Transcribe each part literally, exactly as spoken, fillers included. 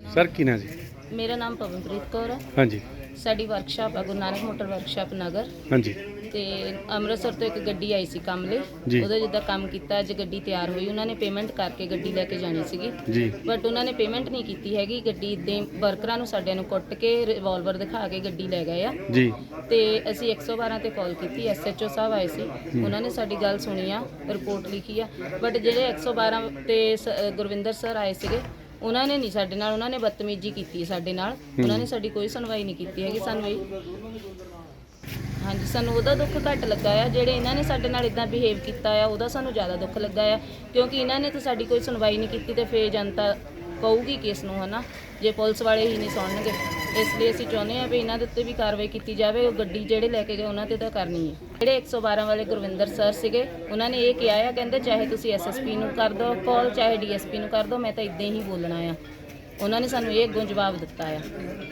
Sir की ना जी मेरा नाम पवनप्रीत कौर है। हाँ जी साडी वर्कशाप है गुरु नानक मोटर वर्कशाप नगर हाँ जी ਤੇ ਅੰਮ੍ਰਿਤਸਰ ਤੋਂ ਇੱਕ ਗੱਡੀ ਆਈ ਸੀ ਕੰਮ ਲਈ। ਜੀ। ਉਹਦਾ ਜਿੱਦਾਂ ਕੰਮ ਕੀਤਾ, ਅੱਜ ਗੱਡੀ ਤਿਆਰ ਹੋਈ, ਉਹਨਾਂ ਨੇ ਪੇਮੈਂਟ ਕਰਕੇ ਗੱਡੀ ਲੈ ਕੇ ਜਾਣੀ ਸੀਗੀ ਜੀ ਬਟ ਉਹਨਾਂ ਨੇ ਪੇਮੈਂਟ ਨਹੀਂ ਕੀਤੀ ਹੈਗੀ। ਗੱਡੀ ਦੇ ਵਰਕਰਾਂ ਨੂੰ ਸਾਡਿਆਂ ਨੂੰ ਕੁੱਟ ਕੇ ਰਿਵਾਲਵਰ ਦਿਖਾ ਕੇ ਗੱਡੀ ਲੈ ਗਏ ਆ ਜੀ ਤੇ ਅਸੀਂ ਇੱਕ ਸੌ ਬਾਰਾਂ ਤੇ ਕਾਲ ਕੀਤੀ। ਐਸਐਚਓ ਸਾਹਿਬ ਆਏ ਸੀ, ਉਹਨਾਂ ਨੇ ਸਾਡੀ ਗੱਲ ਸੁਣੀ ਆ, ਰਿਪੋਰਟ ਲਿਖੀ ਆ, ਬਟ ਜਿਹੜੇ ਇੱਕ ਸੌ ਬਾਰਾਂ ਤੇ ਸ- ਗੁਰਵਿੰਦਰ ਸਰ ਆਏ ਸੀਗੇ ਉਹਨਾਂ ਨੇ ਨਹੀਂ ਸਾਡੇ ਨਾਲ, ਉਹਨਾਂ ਨੇ ਬਦਤਮੀਜ਼ੀ ਕੀਤੀ ਸਾਡੇ ਨਾਲ। ਉਹਨਾਂ ਨੇ ਸਾਡੀ ਕੋਈ ਸੁਣਵਾਈ ਨਹੀਂ ਕੀਤੀ ਹੈਗੀ। ਸਾਨੂੰ ਇਹ ਹਾਂਜੀ ਸਾਨੂੰ ਉਹਦਾ ਦੁੱਖ ਘੱਟ ਲੱਗਾ ਆ, ਜਿਹੜੇ ਇਹਨਾਂ ਨੇ ਸਾਡੇ ਨਾਲ ਇਦਾਂ ਬਿਹੇਵ ਕੀਤਾ ਆ ਉਹਦਾ ਸਾਨੂੰ ਜ਼ਿਆਦਾ ਦੁੱਖ ਲੱਗਾ ਆ, ਕਿਉਂਕਿ ਇਹਨਾਂ ਨੇ ਤਾਂ ਸਾਡੀ ਕੋਈ ਸੁਣਵਾਈ ਨਹੀਂ ਕੀਤੀ ਤੇ ਫੇਰ ਜਨਤਾ ਕਹੂਗੀ ਕਿਸ ਨੂੰ, ਹੈ ਨਾ, ਜੇ ਪੁਲਿਸ ਵਾਲੇ ਹੀ ਨਹੀਂ ਸੁਣਨਗੇ। ਇਸ ਲਈ ਅਸੀਂ ਚਾਹੁੰਦੇ ਹਾਂ ਵੀ ਇਹਨਾਂ ਦੇ ਉੱਤੇ ਵੀ ਕਾਰਵਾਈ ਕੀਤੀ ਜਾਵੇ। ਉਹ ਗੱਡੀ ਜਿਹੜੇ ਲੈ ਕੇ ਗਏ ਉਹਨਾਂ ਤੇ ਤਾਂ ਕਰਨੀ ਹੈ। ਜਿਹੜੇ ਇੱਕ ਸੌ ਬਾਰਾਂ ਵਾਲੇ ਗੁਰਵਿੰਦਰ ਸਰ ਸੀਗੇ ਉਹਨਾਂ ਨੇ ਇਹ ਕਿਹਾ ਆ, ਕਹਿੰਦੇ ਚਾਹੇ ਤੁਸੀਂ ਐਸਐਸਪੀ ਨੂੰ ਕਰ ਦਿਓ ਕਾਲ, ਚਾਹੇ ਡੀਐਸਪੀ ਨੂੰ ਕਰ ਦਿਓ, ਮੈਂ ਤਾਂ ਇਦਾਂ ਹੀ ਬੋਲਣਾ ਆ। ਉਹਨਾਂ ਨੇ ਸਾਨੂੰ ਇਹ ਅੱਗੋਂ ਜਵਾਬ ਦਿੱਤਾ ਆ।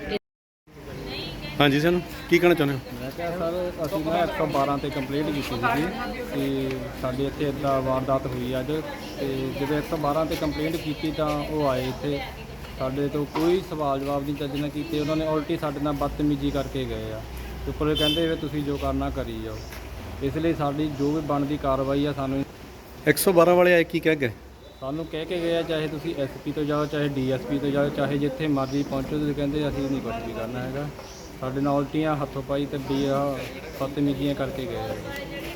हाँ जी सर की कहना चाਹੁੰਦੇ ਹੋ? ਮੈਂ ਕਿਹਾ ਸਰ ਅਸੀਂ ਨਾ ਇੱਕ ਸੌ ਬਾਰਾਂ ਤੇ ਕੰਪਲੇਂਟ ਕੀਤੀ ਸੀਗੀ ਕਿ ਸਾਡੇ ਇੱਥੇ ਇੱਦਾਂ ਵਾਰਦਾਤ ਹੋਈ ਅੱਜ, ਤੇ ਜਦੋਂ ਇੱਕ ਸੌ ਬਾਰਾਂ ਤੇ ਕੰਪਲੇਂਟ ਕੀਤੀ ਤਾਂ ਉਹ ਆਏ ਇੱਥੇ, ਸਾਡੇ ਤੋਂ ਕੋਈ ਸਵਾਲ ਜਵਾਬ ਨਹੀਂ ਚੱਜ ਨਾਲ ਕੀਤੇ। ਉਹਨਾਂ ਨੇ ਉਲਟੀ ਸਾਡੇ ਨਾਲ ਬਦਤਮੀਜ਼ੀ ਕਰਕੇ ਗਏ ਆ। ਉੱਪਰ ਕਹਿੰਦੇ ਵੀ ਤੁਸੀਂ ਜੋ ਕਰਨਾ ਕਰੀ ਜਾਓ। ਇਸ ਲਈ ਸਾਡੀ ਜੋ ਵੀ ਬਣਦੀ ਕਾਰਵਾਈ ਆ ਸਾਨੂੰ एक सौ बारह वाले आए की कह गए? ਸਾਨੂੰ ਕਹਿ ਕੇ ਗਏ ਆ, ਚਾਹੇ ਤੁਸੀਂ ਐਸਪੀ ਤੋਂ ਜਾਓ, ਚਾਹੇ ਡੀਐਸਪੀ ਤੋਂ ਜਾਓ, ਚਾਹੇ ਜਿੱਥੇ ਮਰਜ਼ੀ ਪਹੁੰਚੋ, ਤੁਸੀਂ ਕਹਿੰਦੇ ਅਸੀਂ ਨਹੀਂ ਕੁਛ ਵੀ ਕਰਨਾ ਹੈਗਾ। ਸਾਡੇ ਨਾਲ ਉਲਟੀਆਂ ਹੱਥੋਂ ਪਾਈ ਤੇ ਵੀ ਆ ਬਦਤਮੀਜ਼ੀਆਂ ਕਰਕੇ ਗਏ ਆ।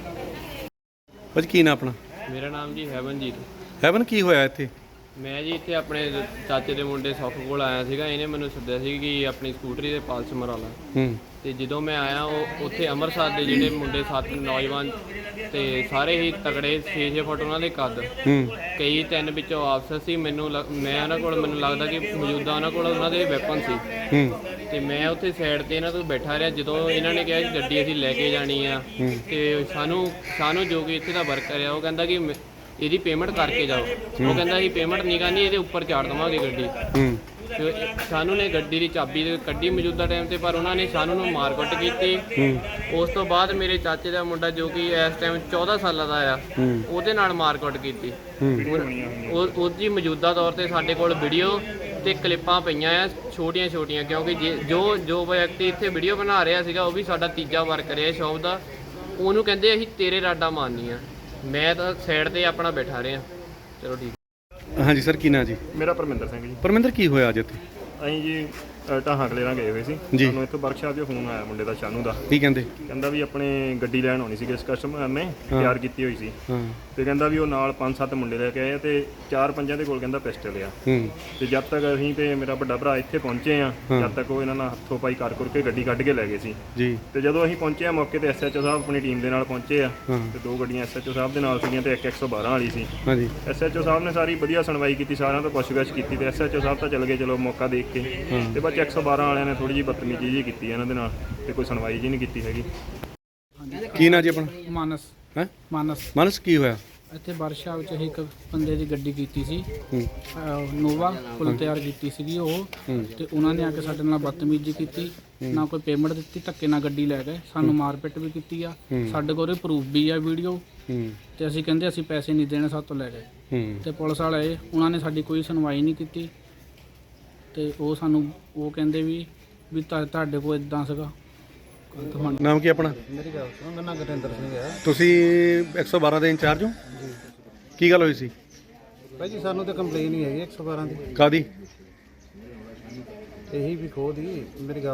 भाजी की ना अपना ਮੇਰਾ ਨਾਮ ਜੀ ਹੈਵਨਜੀਤ। हैवन की होया इत्थे? ਮੈਂ ਜੀ ਇੱਥੇ ਆਪਣੇ ਚਾਚੇ ਦੇ ਮੁੰਡੇ ਸੁੱਖ ਕੋਲ ਆਇਆ ਸੀਗਾ। ਇਹਨੇ ਮੈਨੂੰ ਸੱਦਿਆ ਸੀ ਕਿ ਆਪਣੀ ਸਕੂਟਰੀ ਦੇ ਪਾਲਸ ਮਰਾ ਲਾ। हूँ ਤੇ ਜਦੋਂ ਮੈਂ ਆਇਆ ਉਹ ਉੱਥੇ ਅੰਮ੍ਰਿਤਸਰ ਦੇ ਜਿਹੜੇ ਮੁੰਡੇ ਸੱਤ ਨੌਜਵਾਨ ਤੇ ਸਾਰੇ ਹੀ ਤਗੜੇ ਛੇ ਛੇ ਫੁੱਟ ਉਹਨਾਂ ਦੇ ਕੱਦ, हूँ ਕਈ ਤਿੰਨ ਵਿੱਚੋਂ ਆਫਸਰ ਸੀ। ਮੈਨੂੰ ਲੱਗ- ਮੈਂ ਉਹਨਾਂ ਕੋਲ ਮੈਨੂੰ ਲੱਗਦਾ ਕਿ ਮੌਜੂਦਾ ਉਹਨਾਂ ਕੋਲ ਉਹਨਾਂ ਦੇ ਵੈਪਨ ਸੀ। हूँ ਤੇ ਮੈਂ ਉੱਥੇ ਸਾਈਡ ਤੇ ਇਹਨਾਂ ਤੋਂ ਬੈਠਾ ਰਿਹਾ। ਜਦੋਂ ਇਹਨਾਂ ਨੇ ਕਿਹਾ ਕਿ ਗੱਡੀ ਅਸੀਂ ਲੈ ਕੇ ਜਾਣੀ ਆ, ਤੇ ਸਾਨੂੰ ਸਾਨੂੰ ਜੋ ਕਿ ਇੱਥੇ ਦਾ ਵਰਕਰ ਆ ਉਹ ਕਹਿੰਦਾ ਕਿ ਮ- ਇਹਦੀ ਪੇਮੈਂਟ ਕਰਕੇ ਜਾਓ। ਉਹ ਕਹਿੰਦਾ ਅਸੀਂ ਪੇਮੈਂਟ ਨਹੀਂ ਕਰਨੀ, ਇਹਦੇ ਉੱਪਰ ਚਾੜ ਦੇਵਾਂਗੇ ਗੱਡੀ। हूँ ਤੇ ਸਾਨੂੰ ਨੇ ਗੱਡੀ ਦੀ ਚਾਬੀ ਕੱਢੀ ਮੌਜੂਦਾ ਟਾਈਮ ਤੇ, ਪਰ ਉਹਨਾਂ ਨੇ ਸਾਨੂੰ ਨੂੰ ਮਾਰਕੁੱਟ ਕੀਤੀ। ਉਸ ਤੋਂ ਬਾਅਦ ਮੇਰੇ ਚਾਚੇ ਦਾ ਮੁੰਡਾ ਜੋ ਕਿ ਇਸ ਟਾਈਮ ਚੌਦਾਂ ਸਾਲਾਂ ਦਾ ਆ, ਉਹਦੇ ਨਾਲ ਮਾਰਕੁੱਟ ਕੀਤੀ। ਉਹ ਉਹਦੀ ਮੌਜੂਦਾ ਤੌਰ ਤੇ ਸਾਡੇ ਕੋਲ ਵੀਡੀਓ ਤੇ ਕਲਿੱਪਾਂ ਪਈਆਂ ਆ ਛੋਟੀਆਂ ਛੋਟੀਆਂ, ਕਿਉਂਕਿ ਜੇ ਜੋ ਜੋ ਵਿਅਕਤੀ ਇੱਥੇ ਵੀਡੀਓ ਬਣਾ ਰਿਹਾ ਸੀਗਾ ਉਹ ਵੀ ਸਾਡਾ ਤੀਜਾ ਵਰਕਰ ਹੈ ਸ਼ੌਪ ਦਾ। ਉਹਨੂੰ ਕਹਿੰਦੇ ਅਸੀਂ ਤੇਰੇ ਰਾਡਾ ਮਾਰਨੀਆਂ। ਮੈਂ ਤਾਂ ਸਾਈਡ ਤੇ ਆਪਣਾ ਬੈਠਾ ਰਿਹਾ। ਚਲੋ ਠੀਕ। हाँ जी सर की ना जी ਮੇਰਾ ਪਰਮਿੰਦਰ ਸਿੰਘ ਜੀ। परमिंदर की होया अज इत्थे? ਅਸੀਂ ਜੀ ਅ, ਢਾਹਾਂ ਕਲੇਰਾਂ ਗਏ ਹੋਏ ਸੀ। ਜੀ। ਸਾਨੂੰ ਇੱਥੋਂ ਵਰਕਸ਼ਾਪ 'ਚੋਂ ਫੋਨ ਆਇਆ ਮੁੰਡੇ ਦਾ, ਸ਼ਾਨੂ ਦਾ। की कहंदे? ਕਹਿੰਦਾ ਵੀ ਆਪਣੇ ਗੱਡੀ ਲੈਣ ਆਉਣੀ ਸੀ, ਇਸ ਕਸਟਮਰ ਨੇ ਤਿਆਰ ਕੀਤੀ ਹੋਈ ਸੀ। हाँ ਤੇ ਕਹਿੰਦਾ ਵੀ ਉਹ ਨਾਲ ਪੰਜ ਸੱਤ ਮੁੰਡੇ ਲੈ ਕੇ ਆਏ ਆ ਤੇ ਚਾਰ ਪੰਜਾਂ ਦੇ ਕੋਲ ਕਹਿੰਦਾ ਪਿਸਟਲ ਆ। हूँ ਤੇ ਜਦ ਤੱਕ ਅਸੀਂ ਤੇ ਮੇਰਾ ਵੱਡਾ ਭਰਾ ਇੱਥੇ ਪਹੁੰਚੇ ਆ, ਜਦ ਤੱਕ ਉਹ ਇਹਨਾਂ ਨਾਲ ਹੱਥੋਂ ਪਾਈ ਕਰ ਕਰਕੇ ਗੱਡੀ ਕੱਢ ਕੇ ਲੈ ਗਏ ਸੀ। जी ਤੇ ਜਦੋਂ ਅਸੀਂ ਪਹੁੰਚੇ ਆ ਮੌਕੇ ਤੇ ਐਸਐਚਓ ਸਾਹਿਬ ਆਪਣੀ ਟੀਮ ਦੇ ਨਾਲ ਪਹੁੰਚੇ ਆ, हाँ ਤੇ ਦੋ ਗੱਡੀਆਂ ਐਸਐਚਓ ਸਾਹਿਬ ਦੇ ਨਾਲ ਸੀਗੀਆਂ ਤੇ ਇੱਕ ਇੱਕ ਸੌ ਬਾਰਾਂ ਵਾਲੀ ਸੀ। हाँ जी ਐਸਐਚਓ ਸਾਹਿਬ ਨੇ ਸਾਰੀ ਵਧੀਆ ਸੁਣਵਾਈ ਕੀਤੀ, ਸਾਰਿਆਂ ਤੋਂ ਪੁੱਛਗਿੱਛ ਕੀਤੀ ਤੇ ਐਸਐਚਓ ਸਾਹਿਬ ਤਾਂ ਚੱਲ ਗਏ ਚਲੋ ਮੌਕਾ ਦੇਖ ਕੇ। ਤੇ ਬਾਅਦ ਇੱਕ ਸੌ ਬਾਰਾਂ ਵਾਲਿਆਂ ਨੇ ਥੋੜੀ ਜਿਹੀ ਬਦਤਮੀਜ਼ੀ ਜੀ ਕੀਤੀ ਇਹਨਾਂ ਦੇ ਨਾਲ ਤੇ ਕੋਈ ਸੁਣਵਾਈ ਜੀ ਨਹੀਂ ਕੀਤੀ ਹੈਗੀ। की ना जी अपना ਮਾਨਸ है ਮਾਨਸ मानस की होया? ਇੱਥੇ ਵਰਕਸ਼ਾਪ 'ਚ ਇੱਕ ਬੰਦੇ ਦੀ ਗੱਡੀ ਕੀਤੀ ਸੀ, हूँ ਅਹ ਨੋਵਾ ਫੁੱਲ ਤਿਆਰ ਕੀਤੀ ਸੀਗੀ ਉਹ, ਤੇ ਉਹਨਾਂ ਨੇ ਆ ਕੇ ਸਾਡੇ ਨਾਲ ਬਦਤਮੀਜ਼ੀ ਕੀਤੀ, ਨਾ ਕੋਈ ਪੇਮੈਂਟ ਦਿੱਤੀ, ਧੱਕੇ ਨਾਲ ਗੱਡੀ ਲੈ ਗਏ, ਸਾਨੂੰ ਮਾਰਪਿੱਟ ਵੀ ਕੀਤੀ ਆ। ਸਾਡੇ ਕੋਲ ਪ੍ਰੂਫ ਵੀ ਆ ਵੀਡੀਓ, हूँ ਤੇ ਅਸੀਂ ਕਹਿੰਦੇ ਅਸੀਂ ਪੈਸੇ ਨਹੀਂ ਦੇਣੇ, ਸਾਡੇ ਤੋਂ ਲੈ ਗਏ। हूँ ਤੇ ਪੁਲਿਸ ਵਾਲੇ ਉਹਨਾਂ ਨੇ ਸਾਡੀ ਕੋਈ ਸੁਣਵਾਈ ਨਹੀਂ ਕੀਤੀ, ਤੇ ਉਹ ਸਾਨੂੰ ਉਹ ਕਹਿੰਦੇ ਵੀ ਵੀ ਤੁਹਾ- ਤੁਹਾਡੇ ਕੋਲ ਇਦਾਂ ਸੀਗਾ। नाम की अपना? ਮੇਰੀ ਗੱਲ ਸੁਣੋ, ਮੇਰਾ ਨਾਮ ਗੁਰਿੰਦਰ ਸਿੰਘ ਹੈ ਤੁਸੀਂ एक सौ बारह ਦੇ ਇੰਚਾਰਜ ਹੋ? ਕੀ ਗੱਲ ਹੋਈ ਸੀ? ਭਾਈ ਜੀ। ਸਾਨੂੰ ਤਾਂ ਕੰਪਲੇਨ ਹੀ ਹੈਗੀ ਇੱਕ ਸੌ ਬਾਰਾਂ ਦੀ, ਕਾਦੀ? ਇਹੀ ਵੀ ਖੋਹ ਦੀ। ਮੇਰੀ ਗੱਲ